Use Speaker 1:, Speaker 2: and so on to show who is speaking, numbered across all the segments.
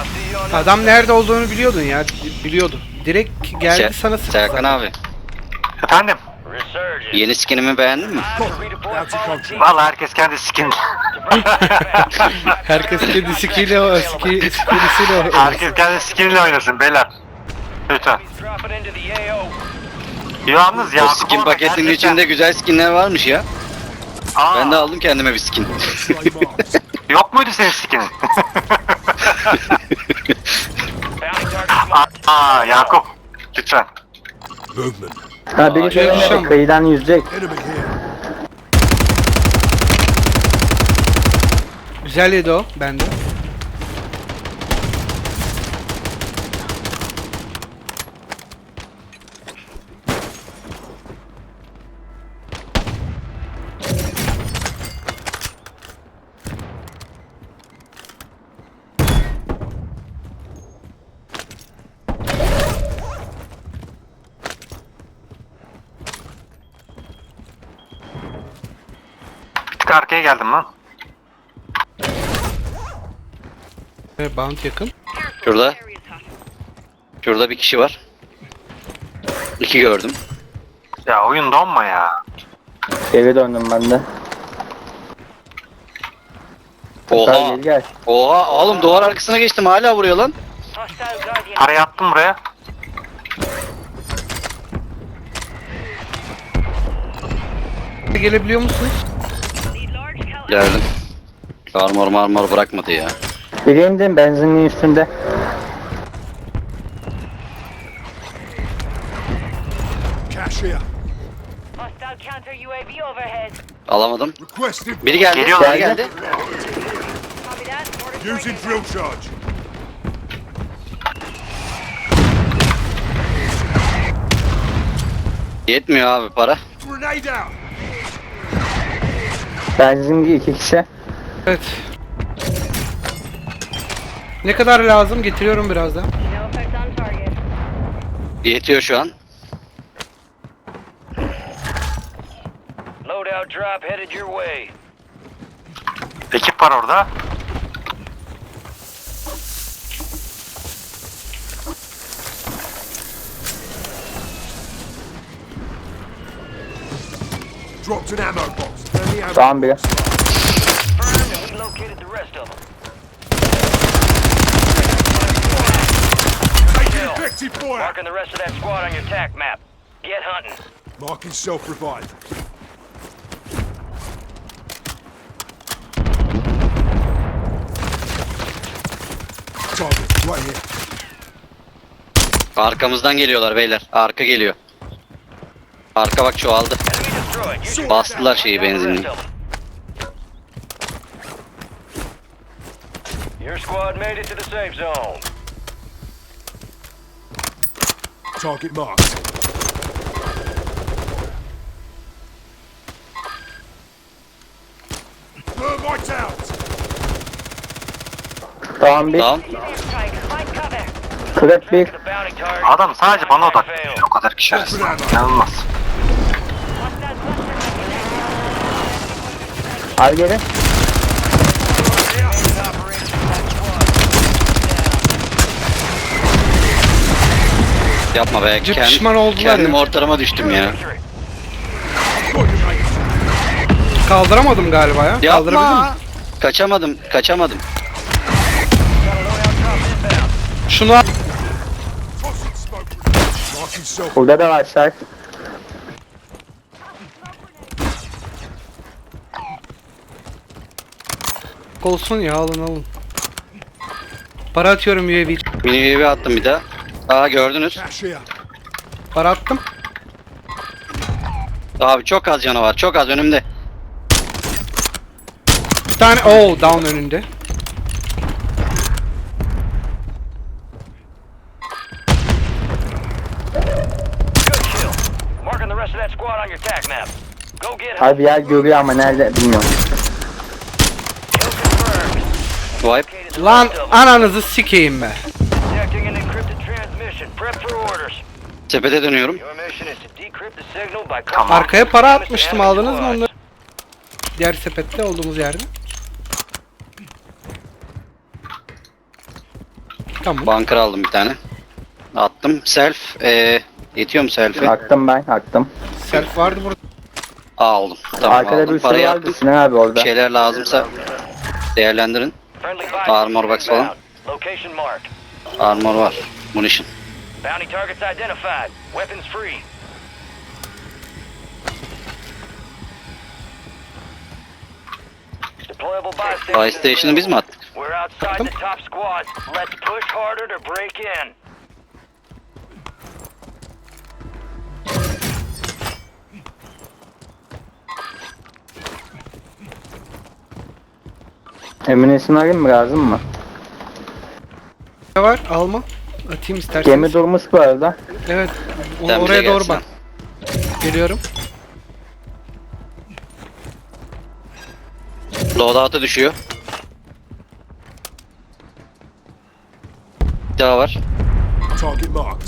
Speaker 1: Adam nerede olduğunu biliyordun ya. Biliyordu. Direkt geldi sana sıktı
Speaker 2: Serkan
Speaker 1: zaten.
Speaker 2: abi,
Speaker 3: Efendim?
Speaker 2: yeni skinimi beğendin mi?
Speaker 3: Vallahi herkes kendi skin.
Speaker 1: Herkes kendi skill'iyle oynasın.
Speaker 3: Herkes kendi skinle oynasın beyler. Lütfen. Yalnız
Speaker 2: O
Speaker 3: Yakup
Speaker 2: skin
Speaker 3: orada
Speaker 2: paketinin
Speaker 3: gerçekten-
Speaker 2: içinde güzel skinler varmış ya.
Speaker 3: Aa,
Speaker 2: Ben de aldım kendime bir skin.
Speaker 3: yok muydu senin skinin? Aa Yakup. Lütfen.
Speaker 4: Movement.
Speaker 5: Ha biri
Speaker 1: Yaşam.
Speaker 5: söylemedi, kıyıdan yüzecek.
Speaker 4: Enemy here.
Speaker 1: Güzel yedi o bende.
Speaker 3: Bir tık arkaya geldim lan.
Speaker 1: Bound yakın.
Speaker 2: Şurada. Şurada bir kişi var. 2 gördüm.
Speaker 3: Ya oyun donma ya.
Speaker 5: Eve döndüm ben de. Gel
Speaker 2: Oha.
Speaker 5: gel.
Speaker 2: Oha oğlum, duvar arkasına geçtim, hala vuruyor lan.
Speaker 3: Parayı attım buraya.
Speaker 1: Gelebiliyor musunuz?
Speaker 2: Geldim. Armor bırakmadı ya.
Speaker 5: Biri indim benzinliğin üstünde.
Speaker 4: Cash here.
Speaker 6: Hostile counter UAV overhead.
Speaker 2: Alamadım.
Speaker 4: Requesting.
Speaker 2: Biri geldi.
Speaker 3: Geliyorlar.
Speaker 2: Biri geldi.
Speaker 6: Copy that. Order
Speaker 4: Using
Speaker 6: strike
Speaker 4: drill charge.
Speaker 2: Yetmiyor abi para.
Speaker 4: Grenade out.
Speaker 5: Benzinli 2 kişi.
Speaker 1: Evet. Ne kadar lazım? Getiriyorum birazdan.
Speaker 6: No effect on target.
Speaker 2: Yetiyor şu an.
Speaker 7: Loadout drop headed your way.
Speaker 3: Ekip var orada.
Speaker 4: Dropped an ammo box. Friendly ammo.
Speaker 5: Tamam biri.
Speaker 7: Confirmed, and we located the rest of them.
Speaker 4: Taking effective fire.
Speaker 7: Marking the rest of that squad on your TAC map. Get hunting.
Speaker 4: Marking self-revive. Target right here.
Speaker 2: Arkamızdan geliyorlar beyler. Arka geliyor. Arka bak çoğaldı.
Speaker 7: Enemy destroyed. Use your
Speaker 2: Bastılar
Speaker 7: background.
Speaker 2: şeyi,
Speaker 7: Hunt down the
Speaker 2: benzinliği.
Speaker 7: rest of them. Your squad made it to the safe zone.
Speaker 4: Target marked. Thermite out.
Speaker 5: Tamam bir.
Speaker 2: Tamam.
Speaker 6: Strike. Find cover.
Speaker 5: Kırık bir.
Speaker 7: The bounty target.
Speaker 3: Adam sadece bana
Speaker 7: Mission
Speaker 3: odaklanıyor.
Speaker 7: failed.
Speaker 3: O kadar kişi arasında. İnanılmaz.
Speaker 6: Hostile cluster.
Speaker 5: Al geri.
Speaker 2: Yapma be.
Speaker 1: Pişman oldular
Speaker 2: Kendim
Speaker 1: ya.
Speaker 2: ortalama düştüm ya.
Speaker 7: Victory.
Speaker 1: Kaldıramadım galiba ya. Kaldırabildim mi?
Speaker 2: Yapma. Kaçamadım.
Speaker 1: Şunu al.
Speaker 4: Tossing smoke. Marking self.
Speaker 5: Burada da var Sarp.
Speaker 1: Olsun ya, alın. Para atıyorum UAV.
Speaker 2: Mini UAV attım bir daha. Aa, gördünüz.
Speaker 4: Cash here.
Speaker 1: Para attım.
Speaker 2: Abi çok az canavar. Çok az önümde.
Speaker 1: Bir tane down önünde.
Speaker 7: Good kill. Marking the rest of that squad on your TAC map. Go get him.
Speaker 5: Abi yer görüyor ama nerede bilmiyorum.
Speaker 7: Kill confirmed.
Speaker 2: Wipe.
Speaker 7: Located the
Speaker 1: Lan
Speaker 7: rest of them.
Speaker 1: ananızı sikeyim be.
Speaker 7: Detecting an encrypted transmission. Prep for orders.
Speaker 2: Sepete dönüyorum.
Speaker 7: Your mission is to decrypt the signal by
Speaker 3: Tamam.
Speaker 1: Arkaya para
Speaker 7: contacting
Speaker 1: atmıştım,
Speaker 7: enemy
Speaker 1: aldınız mı
Speaker 7: squads.
Speaker 1: onları? Diğer sepette olduğumuz yerde. Tamam.
Speaker 2: Bunker aldım bir tane. Attım. Self. Yetiyor mu selfie?
Speaker 5: Attım ben, attım.
Speaker 1: Self vardı burada.
Speaker 2: Aldım. Tamam
Speaker 5: Arkada
Speaker 2: aldım.
Speaker 5: bir sürü
Speaker 2: Parayı
Speaker 5: vardı
Speaker 2: attım.
Speaker 5: Sinan abi
Speaker 2: Bir
Speaker 5: orada.
Speaker 2: şeyler lazımsa değerlendirin.
Speaker 7: Friendly
Speaker 2: Armor box falan.
Speaker 7: inbound. Location marked.
Speaker 2: Armor var. Munition.
Speaker 7: Bounty targets identified. Weapons free. Deployable
Speaker 2: Buy station'ı biz mi attık?
Speaker 7: We're outside the top squad. Let's push harder to break in.
Speaker 5: Eminesini arayayım mı, lazım mı?
Speaker 1: Ne var? Alma. Atayım isterseniz.
Speaker 5: Gemi durmuş bu arada.
Speaker 1: Evet.
Speaker 2: Sen bize
Speaker 1: Oraya doğru
Speaker 2: gelsen.
Speaker 1: bak. Geliyorum.
Speaker 2: Loadout'a düşüyor. Bir daha var.
Speaker 4: Target marked.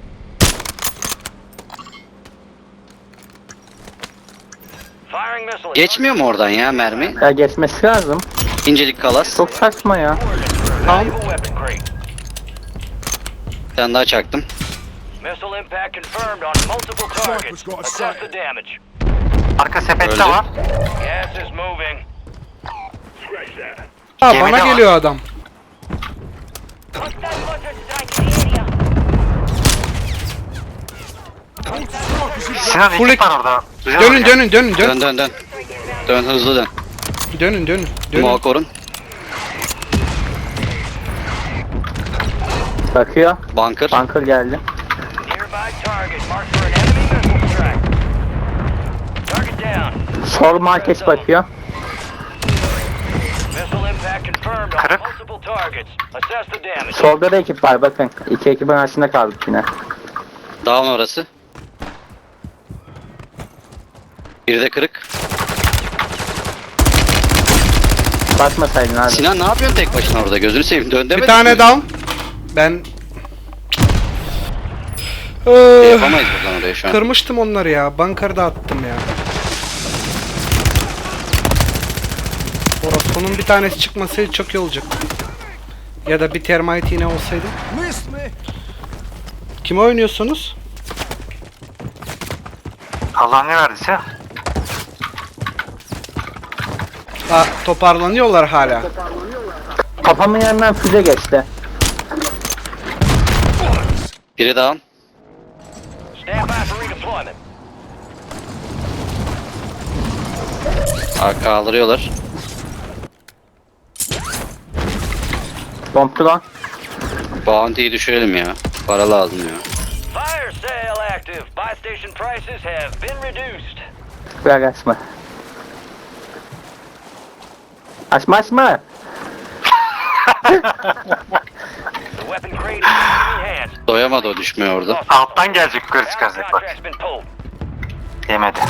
Speaker 7: Firing missile.
Speaker 2: Geçmiyor mu oradan ya mermi?
Speaker 5: Ya geçmesi lazım.
Speaker 2: İncelik kalas.
Speaker 5: Çok saçma ya.
Speaker 7: Valuable weapon crate.
Speaker 2: Bir tane daha çaktım.
Speaker 7: Missile impact confirmed on multiple targets.
Speaker 4: got a
Speaker 7: Assess
Speaker 4: sight.
Speaker 7: the damage.
Speaker 3: Arka sepette
Speaker 2: Öldü.
Speaker 3: var.
Speaker 7: Gas is moving.
Speaker 1: Ha
Speaker 3: Gemide
Speaker 1: bana
Speaker 3: var.
Speaker 1: geliyor adam.
Speaker 6: Hostile mortar strike in the area.
Speaker 3: Sinan
Speaker 1: Full
Speaker 3: ekip var orada. Güzel
Speaker 1: Dönün
Speaker 3: oynuyor.
Speaker 1: dönün dönün
Speaker 2: Dön
Speaker 1: dön.
Speaker 2: dön dön. Dön hızlı dön.
Speaker 1: Dönün dönün. Dönün.
Speaker 2: Muha korun.
Speaker 5: Bakıyor.
Speaker 2: Bunker.
Speaker 5: Bunker geldi.
Speaker 7: Nearby target marked for an enemy missile strike. Target down.
Speaker 5: Sol market bakıyor.
Speaker 7: Missile impact confirmed on
Speaker 3: Kırık.
Speaker 7: multiple targets. Assess the damage.
Speaker 5: Solda da ekip var bakın. İki ekibin arasında kaldık yine.
Speaker 2: Down orası. Biri de kırık.
Speaker 5: Basmasaydın abi.
Speaker 2: Sinan ne yapıyorsun tek başına orada? Gözünü seveyim. Dön demedin
Speaker 1: Bir tane
Speaker 2: mi?
Speaker 1: down. Ben
Speaker 2: Yapamayız buradan oraya şu an.
Speaker 1: kırmıştım onları ya. Bunker'da attım ya. Sonun bir tanesi çıkmasaydı çok iyi olacaktı. Ya da bir termite yine olsaydı.
Speaker 4: Missed me.
Speaker 1: Kime oynuyorsunuz?
Speaker 3: Allah ne verdiyse.
Speaker 1: Ha, toparlanıyorlar hala.
Speaker 5: Kafamın yanından füze geçti.
Speaker 2: Biri down.
Speaker 7: Stand by for redeployment.
Speaker 2: Kaldırıyorlar.
Speaker 5: Bomb drone.
Speaker 2: Bounty'yi düşürelim ya. Para lazım ya.
Speaker 7: Fire sale active. Buy station prices have been reduced.
Speaker 5: Bırak açma. Açma açma.
Speaker 7: The weapon crate is in enemy hands.
Speaker 2: Doyamadı o düşmeye orada.
Speaker 3: Alttan gelecek yukarı
Speaker 7: Ground
Speaker 3: çıkacak bak.
Speaker 7: contract's been pulled.
Speaker 3: Yemedi.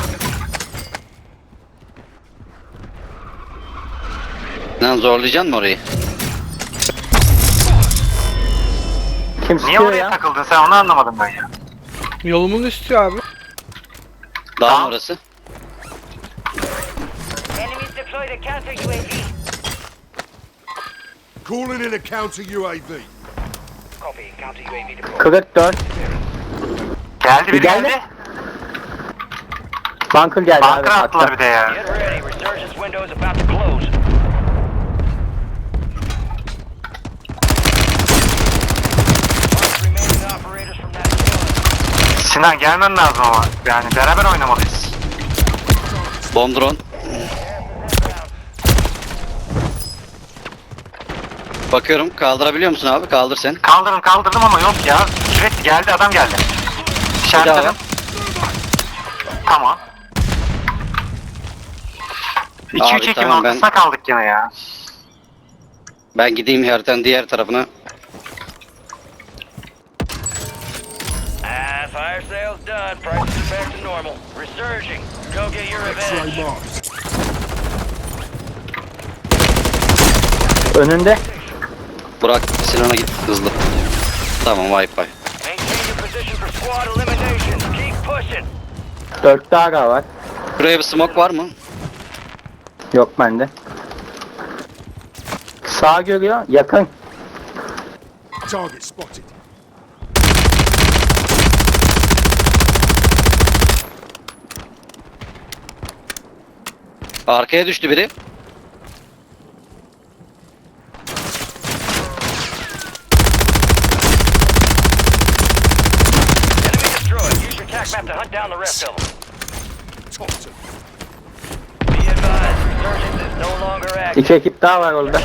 Speaker 2: Lan zorlayacaksın mı orayı?
Speaker 5: Kim
Speaker 3: Niye
Speaker 5: sıkıyor
Speaker 3: oraya
Speaker 5: ya?
Speaker 3: takıldın sen onu anlamadım ben ya.
Speaker 1: Yolumun üstü abi.
Speaker 2: Down
Speaker 3: Tamam.
Speaker 2: orası.
Speaker 6: Enemies deployed a counter UAV.
Speaker 4: Calling in a counter UAV.
Speaker 7: Copy. Counter UAV deployed.
Speaker 5: Kırık 4.
Speaker 3: Geldi biri
Speaker 5: Geldi.
Speaker 3: geldi.
Speaker 5: Bunker geldi abi.
Speaker 3: Bunker attılar
Speaker 5: hatta.
Speaker 3: bir de ya.
Speaker 7: Get ready. Resurgence window is about to close. Mark remaining operators from that squad.
Speaker 3: Sinan gelmen lazım ama. Yani beraber oynamalıyız.
Speaker 2: Bomb drone. Bakıyorum. Kaldırabiliyor musun abi? Kaldır sen.
Speaker 3: Kaldırdım ama yok ya. Sürekli geldi adam geldi.
Speaker 2: Bir daha
Speaker 3: İşaretledim.
Speaker 2: var.
Speaker 3: Tamam. 2-3
Speaker 2: Abi,
Speaker 3: ekibin
Speaker 2: tamam, ben-
Speaker 3: ortasına kaldık yine ya.
Speaker 2: Ben gideyim haritanın diğer tarafına.
Speaker 7: Fire sale's done. Prices are back to normal. Resurging. Go get your
Speaker 4: X-ray
Speaker 7: revenge.
Speaker 4: marked.
Speaker 5: Önünde.
Speaker 2: Burak Sinan'a git hızlı. Tamam Wi-Fi.
Speaker 7: Maintain your position for squad eliminations. Keep pushing.
Speaker 5: 4 daha var.
Speaker 2: Buraya bir smoke var mı?
Speaker 5: Yok bende. Sağ görüyor. Yakın.
Speaker 4: Target spotted.
Speaker 2: Arkaya düştü biri.
Speaker 7: Enemy destroyed. Use your tac map to hunt down the rest of them.
Speaker 4: Thompson.
Speaker 7: Be advised, resurgence is no longer active.
Speaker 5: 2 ekip daha var orada.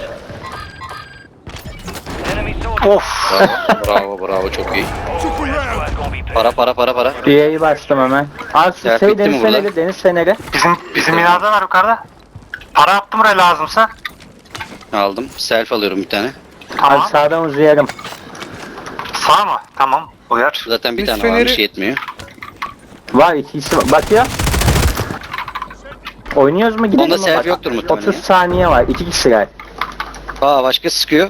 Speaker 7: Enemy soldiers.
Speaker 5: Of.
Speaker 2: Bravo bravo çok iyi.
Speaker 4: Took a round.
Speaker 7: Squad gonna be paid.
Speaker 2: Para.
Speaker 5: Üyeyi bastım hemen. Al şu
Speaker 2: Ya,
Speaker 5: şey
Speaker 2: bitti mi
Speaker 5: deniz
Speaker 2: burada?
Speaker 5: feneri, deniz feneri.
Speaker 3: Bizim binada var yukarıda. Para attım buraya lazımsa.
Speaker 2: Aldım. Self alıyorum bir tane.
Speaker 3: Tamam.
Speaker 5: Al sağdan uzayarım.
Speaker 3: Sağ mı? Tamam. Uyar.
Speaker 2: Zaten bir
Speaker 1: Biz
Speaker 2: tane varmış
Speaker 1: feneri-
Speaker 2: yetmiyor.
Speaker 5: Var ikisi var. Bakıyor. Oynuyoruz mu gidelim
Speaker 2: Onda
Speaker 5: mi?
Speaker 2: self
Speaker 5: Bak,
Speaker 2: yoktur muhtemelen
Speaker 5: 30
Speaker 2: ya.
Speaker 5: saniye var. 2 kişiler.
Speaker 2: Aa başka sıkıyor.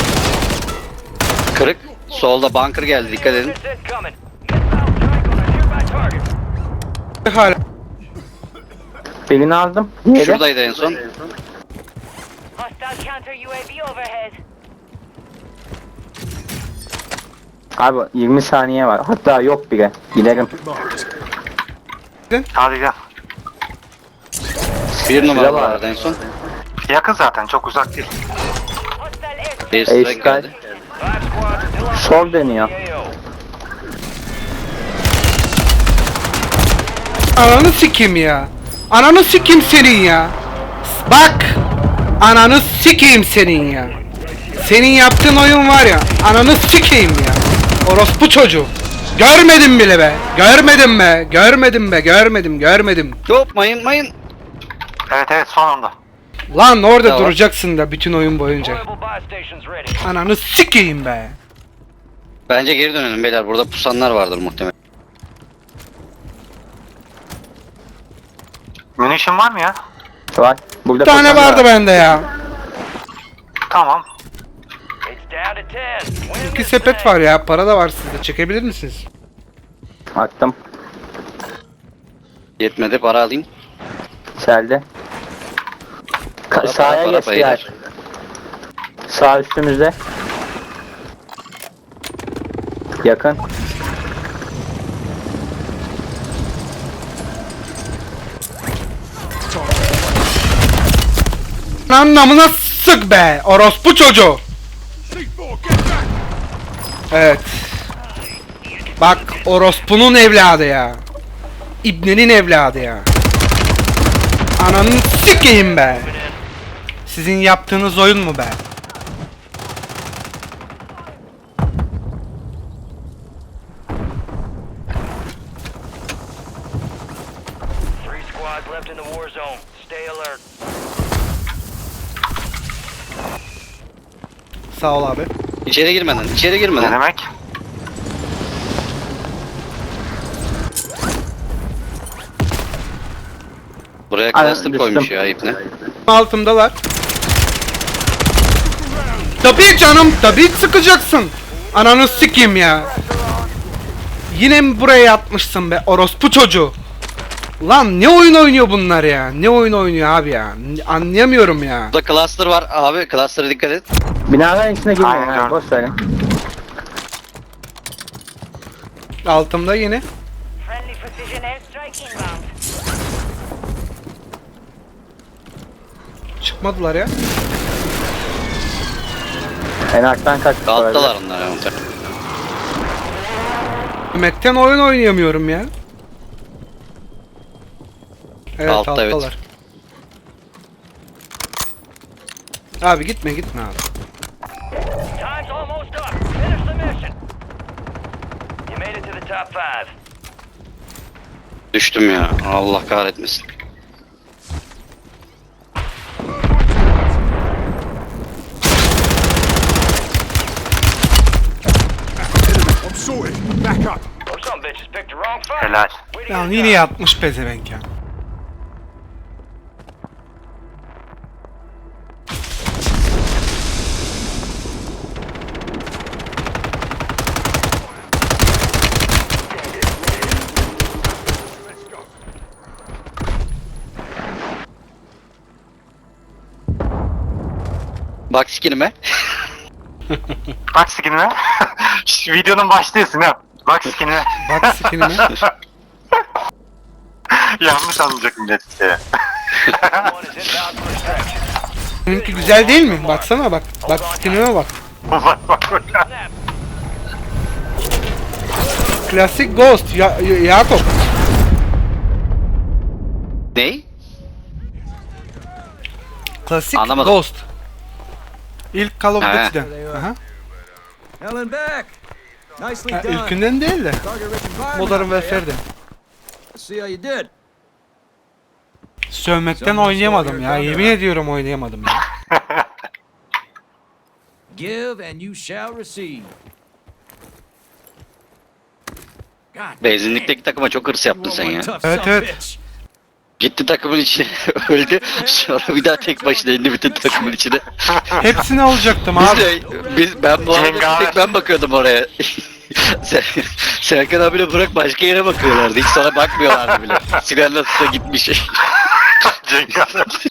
Speaker 2: Kırık. Solda bunker geldi dikkat edin.
Speaker 7: Units incoming. Missile strike on a nearby target.
Speaker 1: Hala.
Speaker 5: Birini aldım. Diğeri.
Speaker 2: Şuradaydı en son.
Speaker 6: Hostile counter UAV overhead.
Speaker 5: Abi 20 saniye var. Hatta yok bile. Giderim.
Speaker 4: Marked.
Speaker 3: Hadi gel.
Speaker 2: Bir numara
Speaker 5: var.
Speaker 2: vardı en son.
Speaker 3: Yakın zaten. Çok uzak değil.
Speaker 6: Hostile airstrike.
Speaker 2: Bir strike
Speaker 5: Strike.
Speaker 2: geldi.
Speaker 7: 5 squads still on
Speaker 5: Sol deniyor.
Speaker 7: AO.
Speaker 1: Ananı sikeyim ya. Ananı sikeyim senin ya. Bak. Ananı sikeyim senin ya. Senin yaptığın oyun var ya. Ananı sikeyim ya. Orospu çocuğu. Görmedim bile be. Görmedim.
Speaker 2: Hop mayın.
Speaker 3: Evet sonunda.
Speaker 1: Lan orada
Speaker 2: Tamam.
Speaker 1: duracaksın da bütün oyun boyunca.
Speaker 7: Deployable buy stations ready.
Speaker 1: Ananı sikeyim be.
Speaker 2: Bence geri dönelim beyler. Burada pusanlar vardır muhtemelen.
Speaker 3: Munition var mı ya?
Speaker 5: Var. Burada
Speaker 1: Bir tane
Speaker 5: koşan
Speaker 1: vardı
Speaker 5: var.
Speaker 1: bende ya.
Speaker 3: Tamam.
Speaker 7: It's down to 10. Win
Speaker 1: İki
Speaker 7: this
Speaker 1: sepet
Speaker 7: thing.
Speaker 1: var ya. Para da var sizde. Çekebilir misiniz?
Speaker 5: Attım.
Speaker 2: Yetmedi para alayım.
Speaker 5: Selde.
Speaker 2: Para,
Speaker 5: Sağa
Speaker 2: para,
Speaker 5: geçtiler.
Speaker 2: beyler.
Speaker 5: Sağ üstümüzde. Yakın.
Speaker 1: Anlamına sık be. Orospu çocuğu.
Speaker 4: C4, get back.
Speaker 1: Evet. Bak orospunun evladı ya. İbnenin evladı ya. Ananı sikeyim be. Sizin yaptığınız oyun mu be?
Speaker 7: Three squads left in the war zone. Stay alert.
Speaker 1: Sağ ol abi.
Speaker 2: İçeri
Speaker 3: Ne
Speaker 2: girmeden.
Speaker 3: demek?
Speaker 2: Buraya
Speaker 5: Aynen,
Speaker 2: cluster
Speaker 5: düştüm.
Speaker 2: koymuş ya ipne.
Speaker 1: Altımdalar. Tabii canım, tabii sıkacaksın. Ananı sikeyim ya. Yine mi buraya yatmışsın be orospu çocuğu? Lan ne oyun oynuyor bunlar ya? Ne oyun oynuyor abi ya? Anlayamıyorum ya.
Speaker 2: Burada cluster var abi. Cluster'a dikkat et.
Speaker 5: Binaların içine girmeyin
Speaker 3: Aynen,
Speaker 5: ha.
Speaker 3: gördüm.
Speaker 5: Boş verin.
Speaker 1: Altımda yine.
Speaker 6: Friendly precision airstrike inbound.
Speaker 1: Çıkmadılar ya.
Speaker 5: En alttan kaçtı. bu arada.
Speaker 2: Alttalar onlar ya. muhtemelen.
Speaker 1: Yemekten oyun oynayamıyorum ya. Evet
Speaker 2: Altta, evet.
Speaker 1: alttalar. Abi gitme abi.
Speaker 7: Time's almost up. Finish the mission. You made it to the top 5.
Speaker 2: Düştüm ya. Allah kahretmesin.
Speaker 4: I'm sorted. Back up.
Speaker 7: Or some bitches picked the wrong fight.
Speaker 3: Helal.
Speaker 7: Way to
Speaker 1: Ya
Speaker 7: get
Speaker 1: yine
Speaker 7: done.
Speaker 1: yatmış pezevenk ya.
Speaker 2: Bak skinime.
Speaker 3: Bak skinime. Şu videonun başlıyorsun ha. Bak skinime.
Speaker 1: Bak skinime.
Speaker 3: Yanlış anlayacak millet işte.
Speaker 7: One is inbound for extraction.
Speaker 1: Benimki güzel değil mi? Baksana bak. Bak skinime bak.
Speaker 3: Bak bak bak.
Speaker 7: Snap.
Speaker 1: Klasik Ghost. Yakup.
Speaker 2: Ney?
Speaker 1: Klasik
Speaker 2: Anlamadım.
Speaker 1: Ghost. İlk Call of
Speaker 2: He.
Speaker 1: Duty'den. Aha.
Speaker 8: Helen back. Nicely
Speaker 1: Ha,
Speaker 8: done.
Speaker 1: ilkinden değil de.
Speaker 8: Target rich environment
Speaker 1: Modern
Speaker 8: out there.
Speaker 1: Warfare'den.
Speaker 8: Let's see how you did.
Speaker 1: Sövmekten oynayamadım ya. Yemin ediyorum oynayamadım ya.
Speaker 8: Give and you shall receive. God
Speaker 2: Benzinlikteki takıma çok hırs yaptın
Speaker 8: damn,
Speaker 2: sen
Speaker 8: you
Speaker 2: ya.
Speaker 8: are one tough
Speaker 1: Evet,
Speaker 8: son of a
Speaker 1: evet.
Speaker 8: bitch.
Speaker 2: Gitti takımın içine öldü. Sonra bir daha tek başına indi bütün takımın içine.
Speaker 1: Hepsini alacaktım
Speaker 2: Biz
Speaker 1: abi.
Speaker 2: de, ben bu arada
Speaker 3: Cengaver.
Speaker 2: tek ben bakıyordum oraya. Serkan abiyle Burak başka yere bakıyorlardı. Hiç sana bakmıyorlardı bile. Sinan'la gitmiş.
Speaker 3: Cengaver.